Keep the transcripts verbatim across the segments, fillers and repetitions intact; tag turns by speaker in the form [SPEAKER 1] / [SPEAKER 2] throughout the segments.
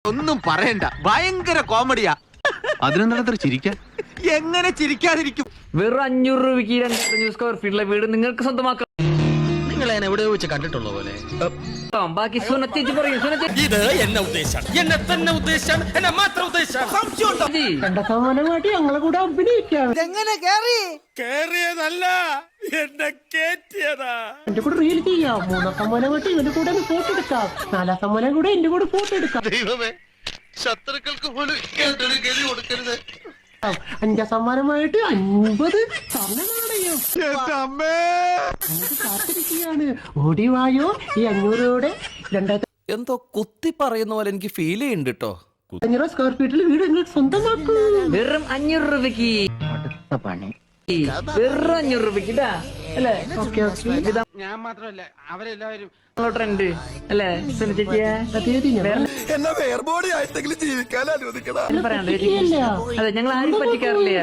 [SPEAKER 1] ഒന്നും പറയണ്ട, ഭയങ്കര കോമഡിയാ.
[SPEAKER 2] അതിനെന്താ ചിരിക്കാൻ?
[SPEAKER 1] എങ്ങനെ ചിരിക്കാതിരിക്കും?
[SPEAKER 3] വെറും അഞ്ഞൂറ് രൂപയ്ക്ക് രണ്ടായിരത്തി സ്ക്വയർ ഫീറ്റിലെ വീട് നിങ്ങൾക്ക് സ്വന്തമാക്കാം.
[SPEAKER 4] നിങ്ങൾ എന്നെ എവിടെ വെച്ച് കണ്ടിട്ടുള്ള പോലെ.
[SPEAKER 3] ബാക്കി സുനത്തേച്ചി പറയും. സുനത്തേച്ചി
[SPEAKER 4] ഇത് എന്നെ ഉദ്ദേശം, എന്നെ തന്നെ ഉദ്ദേശം, എന്നെ മാത്രം ഉദ്ദേശം.
[SPEAKER 3] ഞങ്ങളെ കൂടെ അഭിനയിക്കാം.
[SPEAKER 4] കേറിയതല്ല, എന്നെ കേറ്റിയതാ.
[SPEAKER 5] എന്റെ കൂടെ റീൽ ചെയ്യാം. മൂന്നാം സമ്മാനം കൂട്ടി ഇവന്റെ കൂടെ ഫോട്ടോ എടുക്കാം. നാലാം സമ്മാനം കൂടെ എന്റെ കൂടെ ഫോട്ടോ എടുക്കാം.
[SPEAKER 2] ദൈവമേ, ശത്രുക്കൾക്ക് പോലും ഗതി കൊടുക്കരുത്.
[SPEAKER 5] അഞ്ചാം സമ്മാനമായിട്ട് അൻപത് സ്വർണ്ണ നാണയം കാത്തിരിക്കുകയാണ്. ഓടിവായോ ഈ അഞ്ഞൂറോടെ രണ്ടായിരത്തി
[SPEAKER 4] എന്തോ കുത്തി പറയുന്ന പോലെ എനിക്ക് ഫീൽ ചെയ്യുന്നുണ്ട് കേട്ടോ.
[SPEAKER 5] അഞ്ഞൂറ് സ്ക്വയർ ഫീറ്റിൽ വീട് നിങ്ങൾ സ്വന്തമാക്കൂ.
[SPEAKER 3] വെറും അഞ്ഞൂറ് രൂപയ്ക്ക്
[SPEAKER 5] അടുത്ത പണി
[SPEAKER 3] വെറും അഞ്ഞൂറ് രൂപയ്ക്ക് ഇതാ അല്ലേ?
[SPEAKER 5] Okay okay.
[SPEAKER 1] ഞാൻ മാത്രമല്ല, അവരെല്ലാവരും
[SPEAKER 3] ട്രെൻഡ് അല്ലേ സുനത്തേച്ചിയെ?
[SPEAKER 2] എന്നെ വേർബോഡി ആയിട്ടെങ്കിലും ജീവിക്കാൻ അനുവദിക്കണം.
[SPEAKER 3] പറയാണ്ട് അതെ, ഞങ്ങൾ ആരും പറ്റിക്കാറില്ല.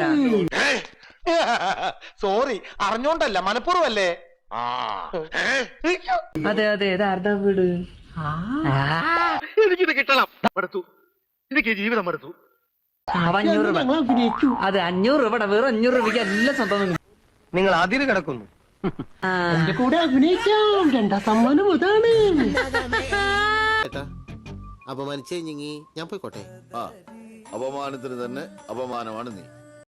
[SPEAKER 2] സോറി, അറിഞ്ഞോണ്ടല്ല, മനഃപൂർവ്വല്ലേ.
[SPEAKER 3] അതെ അതെ, ഇത് ആരുടെ വീട്?
[SPEAKER 2] എനിക്കിത് കിട്ടണം. മടുത്തു, എനിക്ക് ജീവിതം മടുത്തു.
[SPEAKER 3] അഞ്ഞൂറ് രൂപ.
[SPEAKER 5] ഞങ്ങൾ അഭിനയിക്കൂ.
[SPEAKER 3] അതെ, അഞ്ഞൂറ് രൂപ. വെറും അഞ്ഞൂറ് രൂപയ്ക്ക് എല്ലാം സ്വന്തം.
[SPEAKER 2] നിങ്ങൾ അതിന് കിടക്കുന്നു.
[SPEAKER 5] എന്റെ കൂടെ അഭിനയിക്കാം. രണ്ടാം സമ്മാനം അതാണ്.
[SPEAKER 6] അപമാനിച്ചേ ഞാൻ പോയിക്കോട്ടെ.
[SPEAKER 7] ആ, അപമാനത്തിന് തന്നെ അപമാനമാണ് നീ.